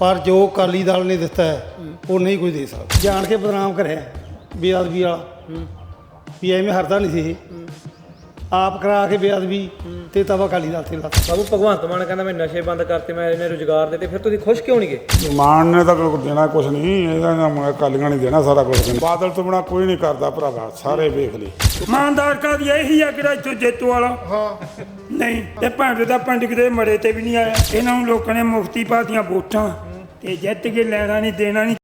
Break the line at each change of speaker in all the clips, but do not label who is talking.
ਪਰ ਜੋ ਅਕਾਲੀ ਦਲ ਨੇ ਦਿੱਤਾ ਹੈ ਉਹ ਨਹੀਂ ਕੋਈ ਦੇ ਸਕਦਾ। ਜਾਣ ਕੇ ਬਦਨਾਮ ਕਰਿਆ ਬੇਅਦਬੀ ਵਾਲਾ ਵੀ ਐਵੇਂ ਹਰਦਾ ਨਹੀਂ ਸੀ ਇਹ ਆਪ ਕਰਾ ਕੇ ਬੇਅਦਬੀ ਤੇ ਤਵਾ ਅਕਾਲੀ ਦਲ ਤੇ ਲੱਤ।
ਬਾਬੂ ਭਗਵੰਤ ਮਾਨ ਕਹਿੰਦਾ ਮੈਂ ਨਸ਼ੇ ਬੰਦ ਕਰਤੇ, ਮੈਂ ਇਹਨੇ ਰੁਜ਼ਗਾਰ ਦਿੱਤੇ, ਫਿਰ ਤੁਸੀਂ ਖੁਸ਼ ਕਿਉਂ ਨਹੀਂ ਗਏ?
ਮਾਨ ਨੇ ਤਾਂ ਦੇਣਾ ਕੁਛ ਨਹੀਂ, ਇਹਦਾ ਨਾਮ ਅਕਾਲੀਆਂ ਨੇ ਦੇਣਾ ਸਾਰਾ ਕੁਛ। ਬਾਦਲ ਤੋਂ ਬਿਨਾਂ ਕੋਈ ਨਹੀਂ ਕਰਦਾ ਭਰਾਵਾ, ਸਾਰੇ ਵੇਖ ਲਈ।
ਇਮਾਨਦਾਰ ਕਾ ਇਹੀ ਆ ਕਿਹੜਾ ਇੱਥੋਂ ਜੇਤੂ ਵਾਲਾ। ਹਾਂ ਨਹੀਂ ਇਹ ਭਾਂਡੇ ਦਾ ਪਿੰਡ ਕਿਤੇ ਮੜੇ ਤੇ ਵੀ ਨਹੀਂ ਆਇਆ। ਇਹਨਾਂ ਨੂੰ ਲੋਕਾਂ ਨੇ ਮੁਫਤੀ ਪਾਤੀਆਂ ਵੋਟਾਂ ਤੇ ਜਿੱਤ ਕੇ ਲੈਣਾ ਨਹੀਂ ਦੇਣਾ ਨਹੀਂ।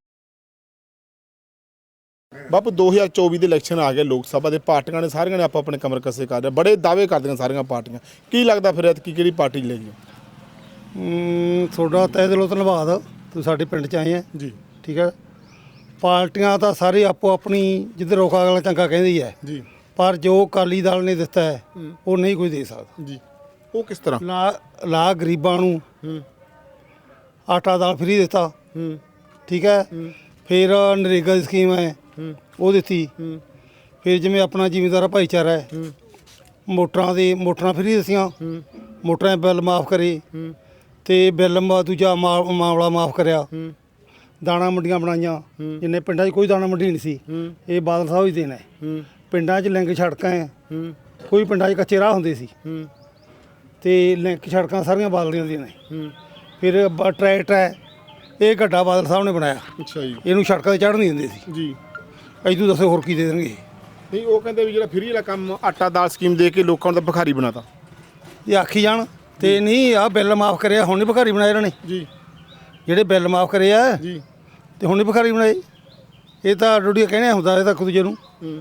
ਬਾਪੂ 2024 ਦੇ ਇਲੈਕਸ਼ਨ ਆ ਗਏ, ਲੋਕ ਸਭਾ ਦੇ ਪਾਰਟੀਆਂ ਨੇ ਸਾਰੀਆਂ ਨੇ ਆਪਾਂ ਆਪਣੇ ਕਮਰ ਕੱਸੇ ਕਰ ਰਹੇ, ਬੜੇ ਦਾਅਵੇ ਕਰਦੀਆਂ ਸਾਰੀਆਂ ਪਾਰਟੀਆਂ। ਕੀ ਲੱਗਦਾ ਫਿਰ ਐਤਕੀ ਕਿਹੜੀ ਪਾਰਟੀ ਲੈ ਗਈ?
ਤੁਹਾਡਾ ਤਹਿ ਦਿਲੋਂ ਧੰਨਵਾਦ, ਤੁਸੀਂ ਸਾਡੇ ਪਿੰਡ 'ਚ ਆਏ ਆ
ਜੀ।
ਠੀਕ ਹੈ। ਪਾਰਟੀਆਂ ਤਾਂ ਸਾਰੇ ਆਪੋ ਆਪਣੀ ਜਿੱਧਰ ਰੋਕਾ ਅਗਲਾ ਚੰਗਾ ਕਹਿੰਦੀ ਹੈ
ਜੀ,
ਪਰ ਜੋ ਅਕਾਲੀ ਦਲ ਨੇ ਦਿੱਤਾ ਹੈ ਉਹ ਨਹੀਂ ਕੋਈ ਦੇ ਸਕਦਾ
ਜੀ। ਉਹ ਕਿਸ ਤਰ੍ਹਾਂ?
ਲਾ ਗਰੀਬਾਂ ਨੂੰ ਆਟਾ ਦਾਲ ਫਰੀ ਦਿੱਤਾ, ਠੀਕ ਹੈ। ਫਿਰ ਨਰੇਗਾ ਦੀ ਸਕੀਮ ਹੈ ਉਹ ਦਿੱਤੀ। ਫਿਰ ਜਿਵੇਂ ਆਪਣਾ ਜ਼ਿਮੀਂਦਾਰ ਭਾਈਚਾਰਾ ਹੈ, ਮੋਟਰਾਂ ਫਰੀ ਦਿੱਤੀਆਂ, ਮੋਟਰਾਂ ਦੇ ਬਿੱਲ ਮਾਫ ਕਰੇ ਤੇ ਬਿੱਲ ਦੂਜਾ ਮਾਮਲਾ ਮਾਫ ਕਰਿਆ। ਦਾਣਾ ਮੰਡੀਆਂ ਬਣਾਈਆਂ, ਜਿੰਨੇ ਪਿੰਡਾਂ 'ਚ ਕੋਈ ਦਾਣਾ ਮੰਡੀ ਨਹੀਂ ਸੀ, ਇਹ ਬਾਦਲ ਸਾਹਿਬ ਹੀ ਦੇਣਾ ਹੈ। ਪਿੰਡਾਂ 'ਚ ਲਿੰਕ ਸੜਕਾਂ ਹੈ, ਕੋਈ ਪਿੰਡਾਂ 'ਚ ਕੱਚੇ ਰਾਹ ਹੁੰਦੇ ਸੀ ਤੇ ਲਿੰਕ ਸੜਕਾਂ ਸਾਰੀਆਂ ਬਾਦਲ ਦੀਆਂ ਨੇ। ਫਿਰ ਟਰੈਕਟਰ ਹੈ, ਇਹ ਗੱਡਾ ਬਾਦਲ ਸਾਹਿਬ ਨੇ ਬਣਾਇਆ।
ਅੱਛਾ ਜੀ।
ਇਹਨੂੰ ਸੜਕਾਂ 'ਤੇ ਚੜ੍ਹ ਨਹੀਂ ਦਿੰਦੇ ਸੀ
ਜੀ।
ਤੂੰ ਦੱਸੋ ਹੋਰ ਕੀ ਦੇ ਦੇਣਗੇ?
ਨਹੀਂ, ਉਹ ਕਹਿੰਦੇ ਵੀ ਜਿਹੜਾ ਫਰੀ ਵਾਲਾ ਕੰਮ ਆਟਾ ਦਾਲ ਸਕੀਮ ਦੇ ਕੇ ਲੋਕਾਂ ਨੂੰ ਤਾਂ ਭਿਖਾਰੀ ਬਣਾਤਾ।
ਇਹ ਆਖੀ ਜਾਣ ਤੇ ਨਹੀਂ ਆਹ ਬਿੱਲ ਮਾਫ ਕਰਿਆ, ਹੁਣ ਨਹੀਂ ਭਿਖਾਰੀ ਬਣਾਏ ਇਹਨਾਂ ਨੇ।
ਜੀ।
ਜਿਹੜੇ ਬਿੱਲ ਮਾਫ ਕਰੇ ਆ
ਜੀ
ਤੇ ਹੁਣ ਨਹੀਂ ਭਿਖਾਰੀ ਬਣਾਏ। ਇਹ ਤਾਂ ਡੋਡੀਆ ਕਹਿਣਾ ਹੁੰਦਾ, ਇਹ ਤਾਂ ਇੱਕ ਦੂਜੇ ਨੂੰ।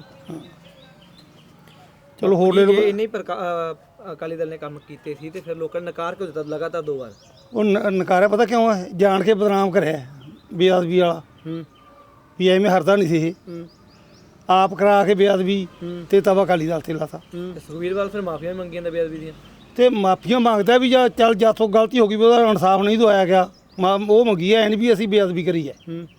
ਚਲੋ ਹੋਰ ਲੈ ਲਓ।
ਇੰਨੇ ਅਕਾਲੀ ਦਲ ਨੇ ਕੰਮ ਕੀਤੇ ਸੀ ਤੇ ਫਿਰ ਲੋਕਾਂ ਨੇ ਨਕਾਰ ਕਿਉਂ ਦਿੱਤਾ ਲਗਾਤਾਰ 2 ਵਾਰ?
ਉਹ ਨਕਾਰਿਆ ਪਤਾ ਕਿਉਂ ਹੈ? ਜਾਣ ਕੇ ਬਦਨਾਮ ਕਰਿਆ ਬੇਅਦਬੀ ਵਾਲਾ ਵੀ ਐਵੇਂ ਹਰਦਾ ਨਹੀਂ ਸੀ ਇਹ ਆਪ ਕਰਾ ਕੇ ਬੇਅਦਬੀ ਤੇ ਤਵਾ ਅਕਾਲੀ ਦਲ ਤੇ ਲਾਤਾ।
ਸੁਖਬੀਰ ਬਾਦਲ ਫਿਰ ਮਾਫੀਆਂ ਵੀ ਮੰਗੀਆਂ ਨੇ ਬੇਅਦਬੀ ਦੀਆਂ
ਤੇ ਮਾਫੀਆਂ ਮੰਗਦਾ ਵੀ ਜਾਂ ਚੱਲ ਜਾਥੋਂ ਗਲਤੀ ਹੋ ਗਈ ਵੀ ਉਹਦਾ ਇਨਸਾਫ ਨਹੀਂ ਦਵਾਇਆ ਗਿਆ, ਉਹ ਮੰਗੀ ਹੈ। ਐਂ ਨਹੀਂ ਵੀ ਅਸੀਂ ਬੇਅਦਬੀ ਕਰੀ ਹੈ,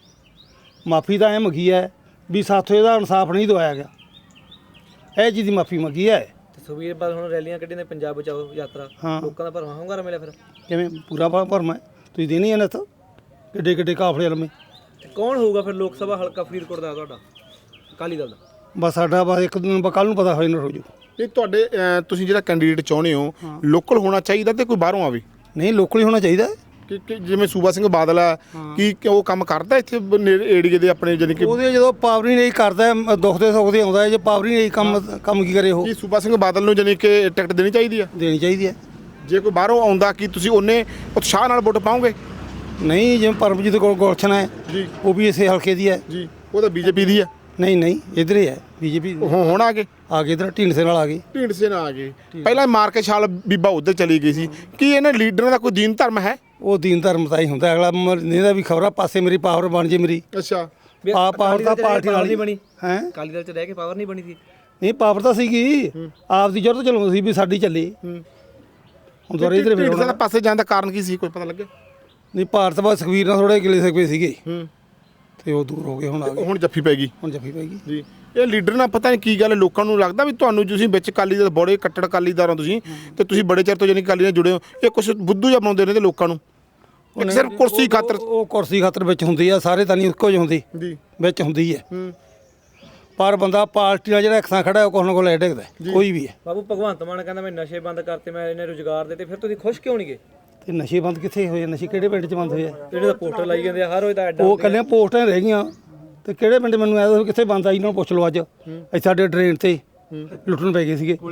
ਮਾਫੀ ਤਾਂ ਐਂ ਮੰਗੀ ਹੈ ਵੀ ਸਾਥੋਂ ਇਹਦਾ ਇਨਸਾਫ ਨਹੀਂ ਦਵਾਇਆ ਗਿਆ, ਇਹ ਚੀਜ਼ ਦੀ ਮਾਫੀ ਮੰਗੀ ਹੈ।
ਤੇ ਸੁਖਬੀਰ ਬਾਦਲ ਹੁਣ ਰੈਲੀਆਂ ਕੱਢੀਆਂ ਨੇ, ਪੰਜਾਬ ਬਚਾਓ ਯਾਤਰਾ, ਲੋਕਾਂ ਦਾ ਭਰਵਾਂ ਹੁੰਗਾਰਾ ਮਿਲਿਆ ਫਿਰ?
ਕਿਵੇਂ ਪੂਰਾ ਭਰਮਾ ਤੁਸੀਂ ਦੇਣੀ ਹੈ ਨਾ ਤਾਂ ਕਿੱਡੇ ਕਿੱਡੇ ਕਾਫਲੇ ਲੰਮੇ।
ਤੇ ਕੌਣ ਹੋਊਗਾ ਫਿਰ ਲੋਕ ਸਭਾ ਹਲਕਾ ਫਰੀਦਕੋਟ ਦਾ ਤੁਹਾਡਾ ਅਕਾਲੀ ਦਲ ਦਾ?
ਬਸ ਸਾਡਾ ਬਸ ਇੱਕ ਦਿਨ ਕੱਲ੍ਹ ਨੂੰ ਪਤਾ ਹੋਏ ਨਾ ਰੋਜੂ।
ਇਹ ਤੁਹਾਡੇ ਤੁਸੀਂ ਜਿਹੜਾ ਕੈਂਡੀਡੇਟ ਚਾਹੁੰਦੇ ਹੋ ਲੋਕਲ ਹੋਣਾ ਚਾਹੀਦਾ ਤੇ ਕੋਈ ਬਾਹਰੋਂ ਆਵੇ?
ਨਹੀਂ, ਲੋਕਲ ਹੀ ਹੋਣਾ ਚਾਹੀਦਾ।
ਕਿ ਜਿਵੇਂ ਸੂਬਾ ਸਿੰਘ ਬਾਦਲ ਹੈ, ਕੀ ਉਹ ਕੰਮ ਕਰਦਾ ਇੱਥੇ ਏਰੀਏ ਦੇ ਆਪਣੇ, ਜਾਨੀ ਕਿ
ਉਹਦੇ ਜਦੋਂ ਪਾਵਰ ਹੀ ਨਹੀਂ ਕਰਦਾ, ਦੁੱਖ ਦੇ ਸੁੱਖ ਦੇ ਆਉਂਦਾ, ਜੇ ਪਾਵਰ ਹੀ ਨਹੀਂ ਕੰਮ ਕੀ ਕਰੇ ਉਹ?
ਕੀ ਸੂਬਾ ਸਿੰਘ ਬਾਦਲ ਨੂੰ ਜਾਨੀ ਕਿ ਟਿਕਟ ਦੇਣੀ ਚਾਹੀਦੀ ਆ?
ਦੇਣੀ ਚਾਹੀਦੀ ਹੈ।
ਜੇ ਕੋਈ ਬਾਹਰੋਂ ਆਉਂਦਾ ਕੀ ਤੁਸੀਂ ਉਹਨੇ ਉਤਸ਼ਾਹ ਨਾਲ ਵੋਟ ਪਾਓਗੇ?
ਨਹੀਂ, ਜਿਵੇਂ ਪਰਮਜੀਤ ਗੁਲਸ਼ਨ ਹੈ
ਜੀ,
ਉਹ ਵੀ ਇਸੇ ਹਲਕੇ ਦੀ ਹੈ।
ਜੀ, ਉਹ ਤਾਂ ਬੀਜੇਪੀ ਦੀ ਆ।
ਨਹੀਂ ਇੱਧਰ ਹੀ ਹੈ ਬੀਜੇਪੀ।
ਹੁਣ ਆ ਗਏ
ਇੱਧਰ ਢੀਂਡਸੇ ਨਾਲ ਆ ਗਏ।
ਢੀਂਡਸੇ ਨਾਲ ਆ ਗਏ। ਪਹਿਲਾਂ ਮਾਰ ਕੇ ਛਾਲ ਬੀਬਾ ਉੱਧਰ ਚਲੀ ਗਈ ਸੀ। ਕੀ ਇਹਨਾਂ ਲੀਡਰਾਂ ਦਾ ਕੋਈ ਦੀਨ ਧਰਮ ਹੈ?
ਉਹ ਦੀਨ ਧਰਮ ਤਾਂ ਹੀ ਹੁੰਦਾ, ਅਗਲਾ ਇਹਦਾ ਵੀ ਖਬਰਾਂ ਪਾਸੇ ਮੇਰੀ ਪਾਵਰ ਬਣ ਜੇ ਮੇਰੀ।
ਅੱਛਾ।
ਪਾਵਰ ਤਾਂ ਪਾਰਟੀ ਨਾਲ
ਨਹੀਂ ਬਣੀ
ਹੈ।
ਅਕਾਲੀ ਦਲ 'ਚ ਰਹਿ ਕੇ ਪਾਵਰ ਨਹੀਂ ਬਣੀ ਸੀ?
ਨਹੀਂ, ਪਾਵਰ ਤਾਂ ਸੀਗੀ, ਆਪ ਦੀ ਜ਼ਰੂਰਤ ਚਲਾਉਂਦੀ ਸੀ ਵੀ ਸਾਡੀ ਚੱਲੇ। ਹੁਣ ਦੁਆਰੇ ਇੱਧਰ
ਢੀਂਡਸੇ ਦਾ ਪਾਸੇ ਜਾਣ ਦਾ ਕਾਰਨ ਕੀ ਸੀ, ਕੋਈ ਪਤਾ ਲੱਗਿਆ?
ਨਹੀਂ, ਭਾਰਤ ਬਾਦ ਸੁਖਬੀਰ ਨਾਲ ਥੋੜੇ ਗਿਲੇ ਸਕੇ ਸੀਗੇ ਤੇ ਉਹ ਦੂਰ ਹੋ ਗਏ, ਹੁਣ ਆ ਗਏ।
ਹੁਣ ਜੱਫੀ ਪੈ ਗਈ।
ਹੁਣ ਜੱਫੀ ਪੈ ਗਈ
ਜੀ। ਇਹ ਲੀਡਰ ਨਾਲ ਪਤਾ ਨਹੀਂ ਕੀ ਗੱਲ, ਲੋਕਾਂ ਨੂੰ ਲੱਗਦਾ ਵੀ ਤੁਹਾਨੂੰ ਤੁਸੀਂ ਵਿੱਚ ਅਕਾਲੀ ਦਲ ਬੜੇ ਕੱਟੜ ਅਕਾਲੀਦਾਰ ਹੋ ਤੁਸੀਂ, ਤੇ ਤੁਸੀਂ ਬੜੇ ਚਿਰ ਤੋਂ ਜਾਨੀ ਅਕਾਲੀ ਨਾਲ ਜੁੜੇ ਹੋ, ਇਹ ਕੁਛ ਬੁੱਧੂ ਜਿਹਾ ਬਣਾਉਂਦੇ ਨੇ ਲੋਕਾਂ ਨੂੰ, ਇੱਕ ਸਿਰਫ ਕੁਰਸੀ ਖਾਤਰ।
ਉਹ ਕੁਰਸੀ ਖਾਤਰ ਵਿੱਚ ਹੁੰਦੀ ਆ, ਸਾਰੇ ਤਾਂ ਨਹੀਂ ਇੱਕੋ ਜਿਹੀ ਹੁੰਦੀ
ਜੀ,
ਵਿੱਚ ਹੁੰਦੀ ਹੈ। ਪਰ ਬੰਦਾ ਪਾਰਟੀ ਨਾਲ ਜਿਹੜਾ ਇੱਕਸਾਂ ਖੜਾ ਉਹ ਕੋਲ ਨਾ ਕੋਲ ਲੈ ਡਿੱਗਦਾ, ਕੋਈ ਵੀ ਹੈ।
ਬਾਬੂ ਭਗਵੰਤ ਮਾਨ ਕਹਿੰਦਾ ਮੈਂ ਨਸ਼ੇ ਬੰਦ ਕਰਤੇ, ਮੈਂ ਇਹਨੇ ਰੁਜ਼ਗਾਰ ਦਿੱਤੇ, ਫਿਰ ਤੁਸੀਂ ਖੁਸ਼ ਕਿਉਂ ਨਹੀਂ ਗਏ?
ਤੇ ਨਸ਼ੇ ਬੰਦ ਕਿੱਥੇ ਹੋਏ? ਨਸ਼ੇ ਕਿਹੜੇ ਪਿੰਡ 'ਚ ਬੰਦ ਹੋਏ ਆ?
ਜਿਹੜੇ ਦਾ ਪੋਸਟਰ ਲਾਈ ਜਾਂਦੇ ਆ ਹਰ ਰੋਜ਼ ਦਾ ਐਡਾ।
ਉਹ ਕੱਲੀਆਂ ਪੋਸਟਾਂ ਰਹਿ ਗਈਆਂ ਤੇ ਕਿਹੜੇ ਪਿੰਡ ਮੈਨੂੰ ਐ ਕਿੱਥੇ ਬੰਦ ਆਈ? ਇਹਨਾਂ ਨੂੰ ਪੁੱਛ ਲਓ। ਅੱਜ ਇੱਥੇ ਸਾਡੇ ਡਰੇਨ ਤੇ ਲੁੱਟਣ ਪੈ ਗਏ ਸੀਗੇ।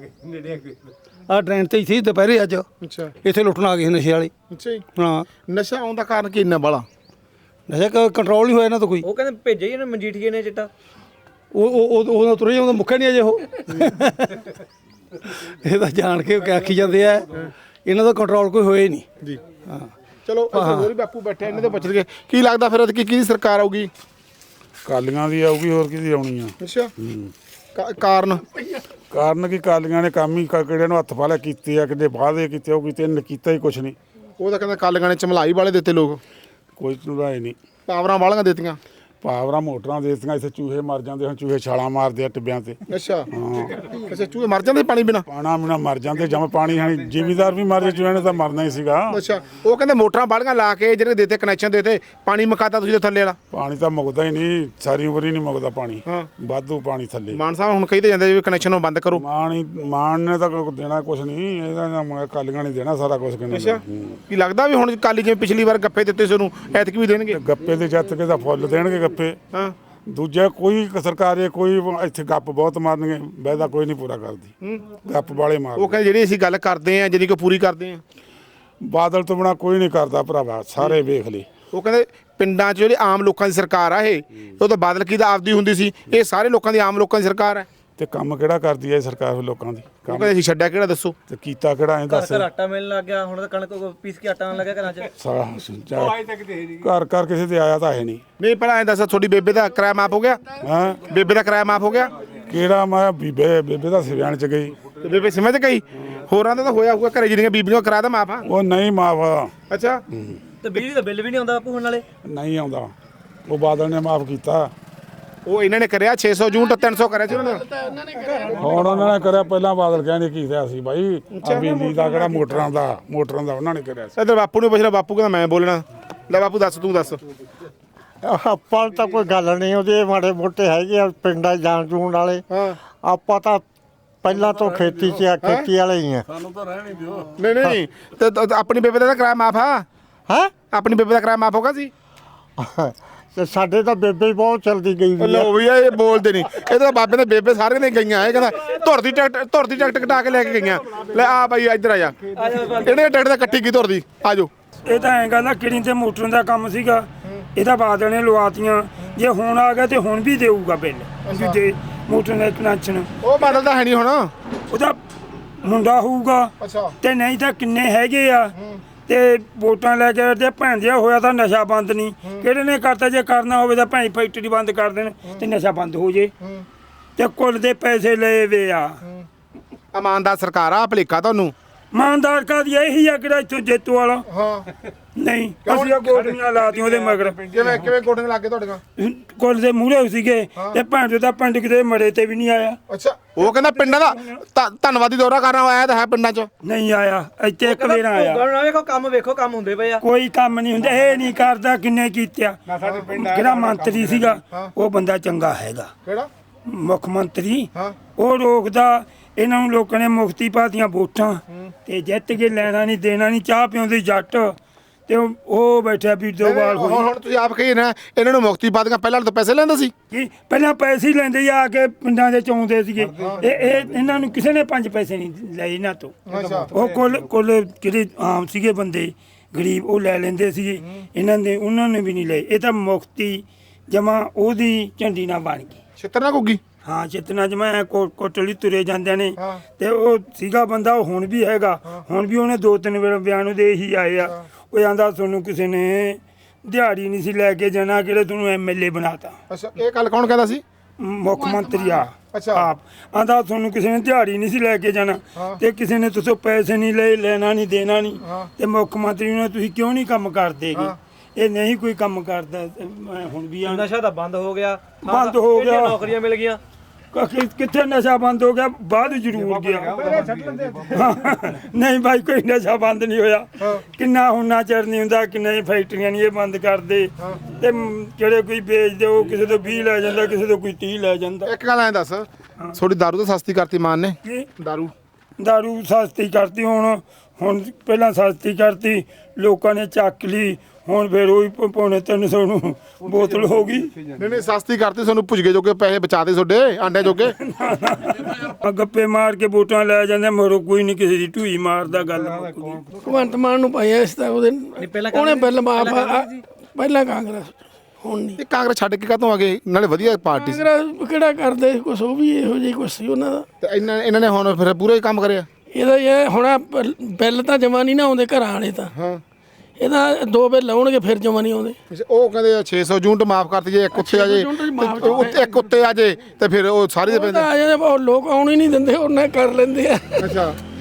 ਆਹ ਡਰੇਨ ਤੇ ਸੀ ਦੁਪਹਿਰੇ ਅੱਜ।
ਅੱਛਾ।
ਇੱਥੇ ਲੁੱਟਣ ਆ ਗਏ ਸੀ ਨਸ਼ੇ ਵਾਲੇ।
ਅੱਛਾ ਜੀ।
ਹਾਂ,
ਨਸ਼ਾ ਆਉਣ ਦਾ ਕਾਰਨ ਕੀ ਇੰਨਾ ਬਾਲਾ?
ਨਸ਼ਾ ਕੰਟਰੋਲ ਨਹੀਂ ਹੋਇਆ ਇਹਨਾਂ ਤੋਂ ਕੋਈ।
ਉਹ ਕਹਿੰਦੇ ਭੇਜਿਆ ਹੀ ਇਹਨੇ ਮਜੀਠੀਏ ਨੇ ਚਿੱਟਾ।
ਉਹ ਤੁਰੇ ਜਾਂਦਾ, ਮੁੱਕਿਆ ਨਹੀਂ ਅਜੇ ਉਹ। ਇਹ ਤਾਂ ਜਾਣ ਕੇ ਆਖੀ ਜਾਂਦੇ ਆ, ਇਹਨਾਂ ਦਾ ਕੰਟਰੋਲ ਕੋਈ ਹੋਇਆ ਹੀ ਨਹੀਂ।
ਜੀ। ਹਾਂ, ਚਲੋ ਹੋਰ ਵੀ ਬਾਪੂ ਬੈਠੇ, ਇਹਨਾਂ ਦੇ ਪੁੱਛ ਲਈਏ ਕੀ ਲੱਗਦਾ ਫਿਰ ਕਿਹਦੀ ਸਰਕਾਰ ਆਊਗੀ?
ਕਾਲੀਆਂ ਦੀ ਆਊਗੀ, ਹੋਰ ਕਿਹਦੀ ਆਉਣੀ ਆ?
ਅੱਛਾ। ਕਾਰਨ
ਕੀ, ਕਾਲੀਆਂ ਨੇ ਕੰਮ ਹੀ ਕਿਹੜੇ ਨੂੰ ਹੱਥ ਪਾ ਲਿਆ ਕੀਤੇ ਆ, ਕਿਤੇ ਵਾਅਦੇ ਕੀਤੇ, ਉਹ ਕੀਤੇ ਨੇ, ਕੀਤਾ ਹੀ ਕੁਛ ਨਹੀਂ।
ਉਹ ਤਾਂ ਕਹਿੰਦਾ ਕਾਲੀਆਂ ਨੇ ਚਮਲਾਈ ਵਾਲੇ ਦਿੱਤੇ ਲੋਕ,
ਕੋਈ ਰਾਏ ਨਹੀਂ।
ਪਾਵਰਾਂ ਵਾਲੀਆਂ ਦਿੱਤੀਆਂ।
ਪਾਵਰਾਂ ਮੋਟਰਾਂ ਦੇ ਦਿੱਤੀਆਂ, ਇੱਥੇ ਚੂਹੇ ਮਰ ਜਾਂਦੇ, ਹੁਣ ਚੂਹੇ ਛਾਲਾਂ ਮਾਰਦੇ ਆ ਟਿੱਬਿਆਂ ਤੇ।
ਅੱਛਾ ਅੱਛਾ ਚੂਹੇ ਮਰ ਜਾਂਦੇ ਪਾਣੀ ਬਿਨਾ?
ਪਾਣਾ ਬਿਨਾ ਮਰ ਜਾਂਦੇ, ਜਮ ਪਾਣੀ ਹੈ ਜ਼ਿਮੀਦਾਰ ਵੀ ਮਰ ਜੇ, ਚੂਹਿਆਂ ਨੇ ਤਾਂ ਮਰਨਾ ਹੀ ਸੀਗਾ।
ਅੱਛਾ ਉਹ ਕਹਿੰਦੇ ਮੋਟਰਾਂ ਬਾੜੀਆਂ ਲਾ ਕੇ ਜਿਹੜੇ ਦੇਤੇ ਕਨੈਕਸ਼ਨ ਦੇਤੇ, ਪਾਣੀ ਮੁਕਾਤਾ ਤੁਸੀਂ ਥੱਲੇ ਵਾਲਾ?
ਪਾਣੀ ਤਾਂ ਮੁੱਕਦਾ ਹੀ ਨਹੀਂ, ਸਾਰੀ ਉਮਰ ਹੀ ਨਹੀਂ ਮੁੱਕਦਾ ਪਾਣੀ,
ਹਾਂ।
ਵਾਧੂ ਪਾਣੀ ਥੱਲੇ।
ਮਾਨ ਸਾਹਿਬ ਹੁਣ ਕਹੀ ਤੇ ਜਾਂਦੇ ਵੀ ਕਨੈਕਸ਼ਨ ਨੂੰ ਬੰਦ ਕਰੋ।
ਮਾਨ ਨੇ ਤਾਂ ਦੇਣਾ ਕੁਛ ਨਹੀਂ, ਇਹਦਾ ਕਾਲੀਆਂ ਨਹੀਂ ਦੇਣਾ ਸਾਰਾ ਕੁਛ।
ਅੱਛਾ ਕੀ ਲੱਗਦਾ ਵੀ ਹੁਣ ਕਾਲੀ ਜਿਵੇਂ ਪਿਛਲੀ ਵਾਰ ਗੱਪੇ ਦਿੱਤੇ ਸੀ ਉਹਨੂੰ ਐਤਕੀ ਵੀ ਦੇਣਗੇ?
ਗੱਪੇ ਦੇ ਜੱਤ ਕੇ ਤਾਂ ਫੁੱਲ ਦੇਣਗੇ ਗੱਪੇ।
ਹਾਂ
ਦੂਜਾ ਕੋਈ ਸਰਕਾਰੇ ਕੋਈ ਇੱਥੇ ਗੱਪ ਬਹੁਤ ਮਾਰਨਗੇ, ਵਾਅਦਾ ਕੋਈ ਨਹੀਂ ਪੂਰਾ ਕਰਦੀ, ਗੱਪ ਵਾਲੇ ਮਾਰ।
ਉਹ ਕਹਿੰਦੇ ਜਿਹੜੀ ਅਸੀਂ ਗੱਲ ਕਰਦੇ ਆ ਜਿਹੜੀ ਕੋਈ ਪੂਰੀ ਕਰਦੇ ਆ।
ਬਾਦਲ ਤੋਂ ਬਿਨਾ ਕੋਈ ਨਹੀਂ ਕਰਦਾ ਭਰਾਵਾ, ਸਾਰੇ ਵੇਖ ਲਈ।
ਉਹ ਕਹਿੰਦੇ ਪਿੰਡਾਂ 'ਚ ਜਿਹੜੀ ਆਮ ਲੋਕਾਂ ਦੀ ਸਰਕਾਰ ਆ ਇਹ, ਉਹ ਤਾਂ ਬਾਦਲ ਕੀ ਦਾ ਆਪਦੀ ਹੁੰਦੀ ਸੀ, ਇਹ ਸਾਰੇ ਲੋਕਾਂ ਦੀ ਆਮ ਲੋਕਾਂ ਦੀ ਸਰਕਾਰ ਹੈ।
ਤੇ ਕੰਮ ਕਿਹੜਾ ਕਰਦੀ ਹੈ ਸਰਕਾਰ ਲੋਕਾਂ ਦੀ?
ਉਹ ਕਹਿੰਦੇ ਅਸੀਂ ਛੱਡਿਆ ਕਿਹੜਾ ਦੱਸੋ?
ਤੇ ਕੀਤਾ ਕਿਹੜਾ ਇਹ ਦੱਸ।
ਘਰ ਆਟਾ ਮਿਲਣ ਲੱਗ ਗਿਆ, ਹੁਣ ਤਾਂ ਕਣਕ ਪੀਸ ਕੇ ਆਟਾ ਆਉਣ ਲੱਗਾ ਘਰਾਂ 'ਚ।
ਘਰ ਘਰ ਕਿਸੇ ਤੇ ਆਇਆ ਤਾਂ ਹੈ ਨਹੀਂ।
ਨਹੀਂ ਪਹਿਲਾਂ ਐਂ ਦੱਸ, ਤੁਹਾਡੀ ਬੇਬੇ ਦਾ ਕਿਰਾਇਆ ਮਾਫ ਹੋ ਗਿਆ?
ਹਾਂ
ਬੇਬੇ ਦਾ ਕਿਰਾਇਆ ਮਾਫ ਹੋ ਗਿਆ?
ਕਿਹੜਾ ਮੈਂ ਬੇਬੇ ਦਾ ਸਿਵਿਆਣ ਚ ਗਈ,
ਤੇ ਬੇਬੇ ਸਮਝ ਗਈ? ਹੋਰਾਂ ਦਾ ਤਾਂ ਹੋਇਆ ਹੋਊਗਾ ਘਰੇ ਜਿਹੜੀਆਂ ਬੀਬੀਆਂ ਦਾ ਕਿਰਾਇਆ ਤਾਂ ਮਾਫ ਆ?
ਉਹ ਨਹੀਂ ਮਾਫ।
ਅੱਛਾ
ਤੇ ਬਿਜਲੀ ਦਾ ਬਿੱਲ ਵੀ ਨਹੀਂ ਆਉਂਦਾ ਬਾਪੂ ਹੁਣ ਨਾਲੇ?
ਨਹੀਂ ਆਉਂਦਾ, ਉਹ ਬਾਦਲ ਨੇ ਮਾਫ ਕੀਤਾ।
ਉਹ ਇਹਨਾਂ ਨੇ ਕਰਿਆ 600 ਯੂਨਿਟ 300 ਕਰਿਆ ਸੀ ਉਹਨਾਂ ਨੇ।
ਹੁਣ ਉਹਨਾਂ ਨੇ ਕਰਿਆ, ਪਹਿਲਾਂ ਬਾਦਲ ਕਹਿੰਦੇ ਕੀਤਾ ਸੀ ਬਾਈ, ਬਿਜਲੀ ਦਾ ਕਿਹੜਾ ਮੋਟਰਾਂ ਦਾ ਉਹਨਾਂ ਨੇ ਕਰਿਆ ਸੀ।
ਇੱਧਰ ਬਾਪੂ ਨੂੰ ਪੁੱਛਣਾ, ਬਾਪੂ ਕਹਿੰਦਾ ਮੈਂ ਬੋਲਣਾ। ਲੈ ਬਾਪੂ ਦੱਸ, ਤੂੰ ਦੱਸ।
ਆਪਾਂ ਤਾਂ ਕੋਈ ਗੱਲ ਨਹੀਂ, ਉਹਦੇ ਮਾੜੇ ਮੋਟੇ ਹੈਗੇ ਆ ਪਿੰਡਾਂ 'ਚ ਜਾਣ ਜੂਣ ਵਾਲੇ।
ਹਾਂ
ਆਪਾਂ ਤਾਂ ਪਹਿਲਾਂ ਤੋਂ ਖੇਤੀ 'ਚ ਆ, ਖੇਤੀ ਵਾਲੇ ਹੀ ਆ।
ਨਹੀਂ ਨਹੀਂ ਤੇ ਆਪਣੀ ਬੇਬੇ ਦਾ ਤਾਂ ਕਿਰਾਇਆ ਮਾਫ ਆ?
ਹੈ
ਆਪਣੀ ਬੇਬੇ ਦਾ ਕਿਰਾਇਆ ਮਾਫ ਹੋਗਾ ਸੀ?
ਤੇ ਸਾਡੇ ਤਾਂ ਬੇਬੇ ਹੀ ਬਹੁਤ ਚਲਦੀ ਗਈ ਵੀ ਆ।
ਲੋ ਵੀ ਇਹ ਬੋਲਦੇ ਨਹੀਂ, ਇਹ ਤਾਂ ਬਾਬੇ ਨੇ ਬੇਬੇ ਸਾਰੇ ਨੇ ਗਈਆਂ। ਇਹ ਕਹਿੰਦਾ ਧੁਰ ਦੀ ਟਿਕਟ ਕਟਾ ਕੇ ਲੈ ਕੇ ਗਈਆਂ। ਲੈ ਆ ਬਾਈ ਇੱਧਰ ਆ ਜਾ, ਇਹਨੇ ਟਿਕਟ ਤਾਂ ਕੱਟੀ ਕੀ ਧੁਰ ਦੀ? ਆ ਜਾਓ।
ਇਹ ਤਾਂ ਐਂ ਗੱਲ ਆ, ਕਿਹੜੀ ਤੇ ਮੋਟਰ ਦਾ ਕੰਮ ਸੀਗਾ, ਇਹਦਾ ਬਾਦਲ ਨੇ ਲਵਾਤੀਆਂ। ਜੇ ਹੁਣ ਆ ਗਿਆ ਤੇ ਹੁਣ ਵੀ ਦੇਊਗਾ ਬਿੱਲ ਦੂਜੇ ਮੋਟਰ ਦਾ ਕਨੈਕਸ਼ਨ।
ਉਹ ਬਾਦਲ ਤਾਂ ਹੈ ਨਹੀਂ ਹੁਣ।
ਉਹਦਾ ਮੁੰਡਾ ਹੋਊਗਾ ਤੇ ਨਹੀਂ ਤਾਂ ਕਿੰਨੇ ਹੈਗੇ ਆ। ਤੇ ਵੋਟਾਂ ਲੈ ਕੇ ਤੇ ਭੈਂਦਿਆ ਹੋਇਆ ਤਾਂ ਨਸ਼ਾ ਬੰਦ ਨਹੀਂ, ਕਿਹੜੇ ਨੇ ਕਰਤਾ? ਜੇ ਕਰਨਾ ਹੋਵੇ ਤਾਂ ਭੈਂ ਫੈਕਟਰੀ ਬੰਦ ਕਰ ਦੇਣ ਤੇ ਨਸ਼ਾ ਬੰਦ ਹੋ ਜੇ। ਤੇ ਕੁੱਲ ਦੇ ਪੈਸੇ ਲਏ ਵੇ ਆ।
ਇਮਾਨਦਾਰ ਸਰਕਾਰ ਆ, ਭਲੇਖਾ ਤੁਹਾਨੂੰ।
ਇਮਾਨਦਾਰ ਕਾਦੀ ਇਹੀ ਆ ਕਿਹੜਾ ਇੱਥੋਂ ਜੇਤੂ ਵਾਲਾ?
ਹਾਂ
ਨਹੀਂ ਅਸੀਂ ਆ ਗੋਲੀਆਂ ਲਾਤੀਆਂ ਉਹਦੇ ਮਗਰ।
ਕਿਵੇਂ ਗੋਡੇ ਲੱਗੇ ਤੁਹਾਡੀਆਂ?
ਕੁੱਲ ਦੇ ਮੂਹਰੇ ਸੀਗੇ ਤੇ ਭੈਣ ਦਾ ਪਿੰਡ ਕਿਤੇ ਮੜੇ ਤੇ ਵੀ ਨਹੀਂ ਆਇਆ।
ਅੱਛਾ ਉਹ ਕਹਿੰਦਾ ਪਿੰਡਾਂ ਦਾ ਧੰਨਵਾਦੀ ਦੌਰਾ ਕਰਨ ਆਇਆ ਤਾਂ ਹੈ ਪਿੰਡਾਂ 'ਚ?
ਨਹੀਂ ਆਇਆ, ਇੱਥੇ ਇੱਕ ਵਾਰ ਆਇਆ।
ਵੇਖੋ ਕੰਮ ਹੁੰਦੇ ਪਏ ਆ।
ਕੋਈ ਕੰਮ ਨਹੀਂ ਹੁੰਦਾ, ਇਹ ਨਹੀਂ ਕਰਦਾ। ਕਿੰਨੇ ਕੀਤਿਆ? ਜਿਹੜਾ ਮੰਤਰੀ ਸੀਗਾ ਉਹ ਬੰਦਾ ਚੰਗਾ ਹੈਗਾ,
ਕਿਹੜਾ
ਮੁੱਖ ਮੰਤਰੀ। ਉਹ ਰੋਕਦਾ ਇਹਨਾਂ ਨੂੰ। ਲੋਕਾਂ ਨੇ ਮੁਫਤੀ ਪਾਤੀਆਂ ਵੋਟਾਂ ਤੇ ਜਿੱਤ ਕੇ ਲੈਣਾ ਨਹੀਂ ਦੇਣਾ ਨਹੀਂ। ਚਾਹ ਪਿਉਂਦੇ ਜੱਟ ਤੇ ਉਹ ਬੈਠਾ ਵੀ ਦੋ ਵਾਲ ਹੋਈ।
ਹੁਣ ਤੁਸੀਂ ਆਪ ਕਹੀ ਨਾ ਇਹਨਾਂ ਨੂੰ ਮੁਕਤੀ ਪਾ ਦੀਆਂ, ਪਹਿਲਾਂ ਤਾਂ ਪੈਸੇ ਲੈਂਦਾ ਸੀ।
ਕੀ ਪਹਿਲਾਂ ਪੈਸੇ ਹੀ ਲੈਂਦੇ ਆ ਕੇ ਪਿੰਡਾਂ ਦੇ ਚੌਂਦੇ ਸੀਗੇ। ਇਹ ਇਹਨਾਂ ਨੂੰ ਕਿਸੇ ਨੇ 5 ਪੈਸੇ ਨਹੀਂ ਲਏ ਇਹਨਾਂ ਤੋਂ। ਉਹ ਕੁੱਲ ਜਿਹੜੇ ਆਮ ਸੀਗੇ ਬੰਦੇ ਗਰੀਬ ਉਹ ਲੈ ਲੈਂਦੇ ਸੀਗੇ, ਉਹਨਾਂ ਨੇ ਵੀ ਨਹੀਂ ਲਏ। ਇਹ ਤਾਂ ਮੁਕਤੀ ਜਮਾ ਉਹਦੀ ਝੰਡੀ ਨਾਲ ਬਣ ਗਈ।
ਛਿੱਤਰ ਨਾ ਘੁੱਗੀ।
ਹਾਂ ਚਿਤਨਾ ਜਮਾ ਕੋਟਲੀ ਤੁਰੇ ਜਾਂਦੇ ਨੇ। ਤੇ ਉਹ ਸੀਗਾ ਬੰਦਾ, ਉਹ ਹੁਣ ਵੀ ਹੈਗਾ। ਹੁਣ ਵੀ ਉਹਨੇ 2-3 ਵਾਰ ਬਿਆਨ ਦੇ ਹੀ ਆਏ ਆ। ਉਹ ਆਂਦਾ ਤੁਹਾਨੂੰ ਕਿਸੇ ਨੇ ਦਿਹਾੜੀ ਨਹੀਂ ਸੀ ਲੈ ਕੇ ਜਾਣਾ, ਕਿਹੜੇ ਤੁਹਾਨੂੰ MLA ਬਣਾਤਾ।
ਅੱਛਾ ਇਹ ਗੱਲ ਕੌਣ ਕਹਿੰਦਾ ਸੀ?
ਮੁੱਖ ਮੰਤਰੀ ਆ ਆਪ ਆਂਦਾ ਤੁਹਾਨੂੰ ਕਿਸੇ ਨੇ ਦਿਹਾੜੀ ਨਹੀਂ ਸੀ ਲੈ ਕੇ ਜਾਣਾ ਤੇ ਕਿਸੇ ਨੇ ਤੁਸੀਂ ਪੈਸੇ ਨਹੀਂ ਲਏ, ਲੈਣਾ ਨਹੀਂ ਦੇਣਾ ਨਹੀਂ। ਤੇ ਮੁੱਖ ਮੰਤਰੀ ਨੂੰ ਤੁਸੀਂ ਕਿਉਂ ਨਹੀਂ ਕੰਮ ਕਰਦੇਗੇ? ਇਹ ਨਹੀਂ ਕੋਈ ਕੰਮ ਕਰਦਾ। ਹੁਣ ਵੀ
ਨਸ਼ਾ ਤਾਂ ਬੰਦ ਹੋ ਗਿਆ, ਨੌਕਰੀਆਂ ਮਿਲ ਗਈਆਂ।
ਕਿੱਥੇ ਨਸ਼ਾ ਬੰਦ ਹੋ ਗਿਆ? ਬਾਅਦ ਜ਼ਰੂਰ ਗਿਆ। ਨਹੀਂ ਭਾਈ ਕੋਈ ਨਸ਼ਾ ਬੰਦ ਨਹੀਂ ਹੋਇਆ। ਕਿੰਨਾ ਹੁਣਾ ਚਿਰ ਨਹੀਂ ਹੁੰਦਾ, ਕਿੰਨੇ ਫੈਕਟਰੀਆਂ ਨਹੀਂ ਇਹ ਬੰਦ ਕਰਦੇ। ਤੇ ਜਿਹੜੇ ਕੋਈ ਵੇਚਦੇ ਉਹ ਕਿਸੇ ਤੋਂ 20 ਲੈ ਜਾਂਦਾ, ਕਿਸੇ ਤੋਂ ਕੋਈ 30 ਲੈ ਜਾਂਦਾ।
ਇੱਕ ਗੱਲ ਐਂ ਦੱਸ, ਥੋੜੀ ਦਾਰੂ ਤਾਂ ਸਸਤੀ ਕਰਤੀ ਮਾਨ ਨੇ।
ਦਾਰੂ ਸਸਤੀ ਕਰਤੀ। ਹੁਣ ਪਹਿਲਾਂ ਸਸਤੀ ਕਰਤੀ, ਲੋਕਾਂ ਨੇ ਚੱਕ ਲਈ। ਹੁਣ ਫਿਰ ਉਹੀ 350 ਨੂੰ ਬੋਤਲ ਹੋ ਗਈ।
ਨਹੀਂ ਸਸਤੀ ਕਰਤੀ, ਤੁਹਾਨੂੰ ਪੁੱਜਗੇ ਜੋਗੇ ਪੈਸੇ ਬਚਾਦੇ ਤੁਹਾਡੇ ਆਂਡੇ ਜੋਗੇ।
ਗੱਪੇ ਮਾਰ ਕੇ ਵੋਟਾਂ ਲੈ ਜਾਂਦੇ, ਮਰੋ ਕੋਈ ਨਹੀਂ ਕਿਸੇ ਦੀ ਢੂਈ ਮਾਰਦਾ। ਗੱਲ
ਭਗਵੰਤ ਮਾਨ ਨੂੰ ਪਾਇਆ ਇਸ ਤਾਂ ਉਹਨੇ ਬਿੱਲ ਮਾਫ। ਪਹਿਲਾਂ ਕਾਂਗਰਸ, ਹੁਣ ਨਹੀਂ।
ਕਾਂਗਰਸ ਛੱਡ ਕੇ ਕਾਹਤੋਂ ਆ ਗਏ? ਨਾਲੇ ਵਧੀਆ ਪਾਰਟੀ ਸੀ।
ਕਾਂਗਰਸ ਕਿਹੜਾ ਕਰਦੇ ਕੁਛ, ਉਹ ਵੀ ਇਹੋ ਜਿਹੀ ਕੁਛ ਸੀ ਉਹਨਾਂ ਦਾ।
ਤੇ ਇਹਨਾਂ ਨੇ ਹੁਣ ਫਿਰ ਪੂਰਾ ਹੀ ਕੰਮ ਕਰਿਆ।
ਇਹਦਾ ਇਹ ਹੁਣ ਬਿੱਲ ਤਾਂ ਜਮਾ ਨਹੀਂ ਨਾ ਆਉਂਦੇ ਘਰਾਂ ਵਾਲੇ ਤਾਂ। ਇਹਦਾ 2 ਬਿੱਲ ਆਉਣਗੇ ਫਿਰ ਜਮਾ ਨਹੀਂ ਆਉਂਦੇ।
ਉਹ ਕਹਿੰਦੇ 600 ਯੂਨਿਟ ਮਾਫ ਕਰਤੀ, ਜੇ ਇੱਕ ਉੱਤੇ ਆ ਜੇ, ਇੱਕ ਉੱਤੇ ਆ ਜੇ ਤੇ ਫਿਰ ਉਹ ਸਾਰੇ ਦੇ ਪੈਂਦੇ
ਆ ਜਾਂਦੇ। ਲੋਕ ਆਉਣ ਹੀ ਨਹੀਂ ਦਿੰਦੇ, ਉਹਨਾਂ ਕਰ ਲੈਂਦੇ ਆ।
ਅੱਛਾ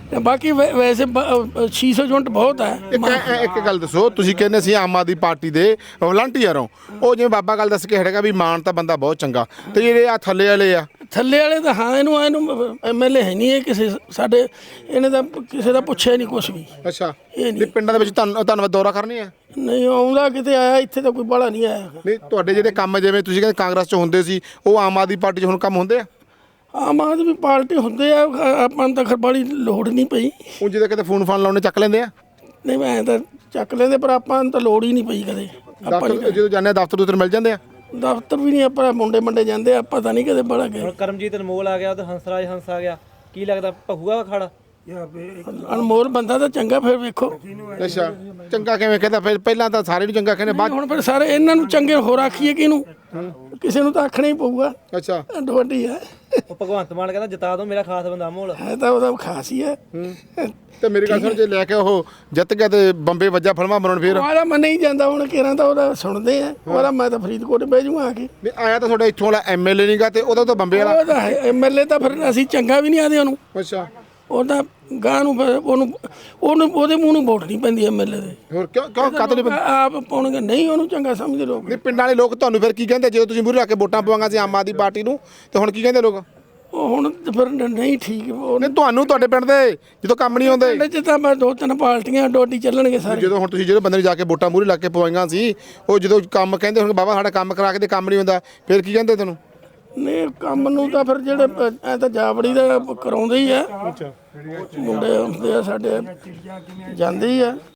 ਤੇ ਬਾਕੀ ਵੈਸੇ 600 ਯੂਨਿਟ ਬਹੁਤ ਹੈ।
ਇੱਕ ਗੱਲ ਦੱਸੋ, ਤੁਸੀਂ ਕਹਿੰਦੇ ਸੀ ਆਮ ਆਦਮੀ ਪਾਰਟੀ ਦੇ ਵਲੰਟੀਅਰ ਹੋ, ਉਹ ਜਿਵੇਂ ਬਾਬਾ ਗੱਲ ਦੱਸ ਕੇ ਹਟੇਗਾ ਵੀ ਮਾਨ ਤਾਂ ਬੰਦਾ ਬਹੁਤ ਚੰਗਾ, ਤੇ ਜਿਹੜੇ ਆ ਥੱਲੇ ਵਾਲੇ ਆ
ਥੱਲੇ ਵਾਲੇ ਤਾਂ ਹਾਂ ਇਹਨੂੰ ਐਮਐਲਏ ਹੈ ਨਹੀਂ, ਇਹ ਕਿਸੇ ਸਾਡੇ ਇਹਨੇ ਤਾਂ ਕਿਸੇ ਦਾ ਪੁੱਛਿਆ ਨਹੀਂ ਕੁਛ ਵੀ।
ਅੱਛਾ,
ਇਹ
ਨਹੀਂ ਪਿੰਡਾਂ ਦੇ ਵਿੱਚ ਧੰਨਵਾਦ ਦੌਰਾ ਕਰਨੇ ਆ?
ਨਹੀਂ ਆਉਂਦਾ ਕਿਤੇ ਆਇਆ, ਇੱਥੇ ਤਾਂ ਕੋਈ ਬਾਹਲਾ ਨਹੀਂ ਆਇਆ।
ਨਹੀਂ ਤੁਹਾਡੇ ਜਿਹੜੇ ਕੰਮ ਜਿਵੇਂ ਤੁਸੀਂ ਕਹਿੰਦੇ ਕਾਂਗਰਸ 'ਚ ਹੁੰਦੇ ਸੀ, ਉਹ ਆਮ ਆਦਮੀ ਪਾਰਟੀ 'ਚ ਹੁਣ ਕੰਮ ਹੁੰਦੇ ਆ?
ਆਮ ਆਦਮੀ ਪਾਰਟੀ ਹੁੰਦੇ ਆ, ਆਪਾਂ ਨੂੰ ਤਾਂ ਖਰ ਬੜੀ ਲੋੜ ਨਹੀਂ ਪਈ।
ਉਹ ਜਿਹਦੇ ਕਿਤੇ ਫੋਨ ਲਾਉਣੇ ਚੱਕ ਲੈਂਦੇ ਆ?
ਨਹੀਂ ਮੈਂ ਤਾਂ ਚੱਕ ਲੈਂਦੇ, ਪਰ ਆਪਾਂ ਨੂੰ ਤਾਂ ਲੋੜ ਹੀ ਨਹੀਂ ਪਈ ਕਦੇ। ਆਪਾਂ
ਜਦੋਂ ਜਾਂਦੇ ਆ ਦਫ਼ਤਰ ਮਿਲ ਜਾਂਦੇ ਆ?
ਦਫ਼ਤਰ ਵੀ ਨਹੀਂ, ਆਪਾਂ ਮੁੰਡੇ ਜਾਂਦੇ ਆ, ਆਪਾਂ ਤਾਂ ਨਹੀਂ ਕਦੇ ਬੜਾ ਗਏ।
ਹੁਣ ਕਰਮਜੀਤ ਅਨਮੋਲ ਆ ਗਿਆ, ਉਹ ਹੰਸਰਾਜ ਹੰਸ ਆ ਗਿਆ, ਕੀ ਲੱਗਦਾ ਭਹੂਗਾ ਖੜਾ?
ਅਨਮੋਲ ਬੰਦਾ ਤਾਂ ਚੰਗਾ, ਫਿਰ ਵੇਖੋ।
ਅੱਛਾ, ਚੰਗਾ ਕਿਵੇਂ ਕਹਿੰਦਾ? ਫਿਰ ਪਹਿਲਾਂ ਤਾਂ ਸਾਰੇ ਨੂੰ ਚੰਗਾ ਕਹਿੰਦੇ, ਬਾਅਦ
ਹੁਣ ਫਿਰ ਸਾਰੇ ਇਹਨਾਂ ਨੂੰ ਚੰਗੇ ਹੋਰ ਆਖੀਏ ਕਿਹਨੂੰ? ਕਿਸੇ ਨੂੰ ਤਾਂ ਆਖਣਾ ਹੀ ਪਊਗਾ।
ਅੱਛਾ,
ਵੱਡੀ ਹੈ,
ਉਹ ਭਗਵੰਤ ਮਾਨ ਕਹਿੰਦਾ ਜਿਤਾ ਦੋ ਮੇਰਾ ਖਾਸ ਬੰਦਾ ਅਨਮੋਲ।
ਹੈ ਤਾਂ ਉਹਦਾ ਖਾਸ ਹੀ ਹੈ।
ਤੇ ਮੇਰੀ ਗੱਲ ਸੁਣ, ਜੇ ਲੈ ਕੇ ਉਹ ਜਿੱਤ ਗਿਆ ਤੇ ਬੰਬੇ ਵੱਜਾ ਫਿਲਮਾਂ ਬਣਾਉਣ, ਫਿਰ
ਉਹਦਾ ਮੰਨੇ ਹੀ ਜਾਂਦਾ, ਹੁਣ ਕਿਹਨਾਂ ਤਾਂ ਉਹਦਾ ਸੁਣਦੇ ਆ, ਉਹਦਾ ਮੈਂ ਤਾਂ ਫਰੀਦਕੋਟ ਬਹਿ ਜੂਗਾ ਆ ਕੇ।
ਨਹੀਂ ਆਇਆ ਤਾਂ ਤੁਹਾਡਾ ਇੱਥੋਂ ਵਾਲਾ ਐਮਐਲਏ ਨਹੀਂਗਾ, ਤੇ ਉਹਦਾ ਤਾਂ ਬੰਬੇ ਵਾਲਾ।
ਉਹਦਾ ਐਮਐਲਏ ਤਾਂ ਫਿਰ ਅਸੀਂ ਚੰਗਾ ਵੀ ਨਹੀਂ ਆਦੇ ਉਹਨੂੰ।
ਅੱਛਾ,
ਉਹਦਾ ਗਾਂ ਨੂੰ ਫਿਰ ਉਹਨੂੰ ਉਹਦੇ ਮੂੰਹ ਨੂੰ ਵੋਟ ਨਹੀਂ ਪੈਂਦੀ ਐਮਐਲਏ ਦੇ।
ਹੋਰ ਕਿਉਂ ਕਤਲ?
ਆਪ ਪਾਉਣਗੇ ਨਹੀਂ, ਉਹਨੂੰ ਚੰਗਾ ਸਮਝਦੇ ਲੋਕ।
ਨਹੀਂ ਪਿੰਡਾਂ ਵਾਲੇ ਲੋਕ ਤੁਹਾਨੂੰ ਫਿਰ ਕੀ ਕਹਿੰਦੇ ਜਦੋਂ ਤੁਸੀਂ ਮੂਹਰੇ ਰੱਖ ਕੇ ਵੋਟਾਂ ਪਵਾਂਗਾ ਸੀ ਆਮ ਆਦਮੀ ਪਾਰਟੀ ਨੂੰ, ਤੇ ਹੁਣ ਕੀ ਕਹਿੰਦੇ ਲੋਕ?
ਉਹ ਹੁਣ ਫਿਰ ਨਹੀਂ ਠੀਕ।
ਨਹੀਂ ਤੁਹਾਨੂੰ ਤੁਹਾਡੇ ਪਿੰਡ ਦੇ ਜਦੋਂ ਕੰਮ ਨਹੀਂ ਆਉਂਦੇ?
ਪਿੰਡ 'ਚ ਤਾਂ ਮੈਂ 2-3 ਪਾਰਟੀਆਂ ਡੋਡੀ ਚੱਲਣਗੇ ਸਾਰੇ।
ਜਦੋਂ ਹੁਣ ਤੁਸੀਂ ਜਿਹੜੇ ਬੰਦੇ ਨੂੰ ਜਾ ਕੇ ਵੋਟਾਂ ਮੂਹਰੇ ਲੱਗ ਕੇ ਪਵਾਈਆਂ ਸੀ, ਉਹ ਜਦੋਂ ਕੰਮ ਕਹਿੰਦੇ ਹੁਣ ਬਾਬਾ ਸਾਡਾ ਕੰਮ ਕਰਾ ਕੇ ਤੇ ਕੰਮ ਨਹੀਂ ਹੁੰਦਾ, ਫਿਰ ਕੀ ਕਹਿੰਦੇ ਤੁਹਾਨੂੰ?
ਨਹੀਂ ਕੰਮ ਨੂੰ ਤਾਂ ਫਿਰ ਜਿਹੜੇ ਐ ਤਾਂ ਜਾਵੜੀ ਦਾ ਕਰਾਉਂਦੇ ਹੀ ਆ, ਮੁੰਡੇ ਹੁੰਦੇ ਆ ਸਾਡੇ, ਜਾਂਦੇ ਹੀ ਆ।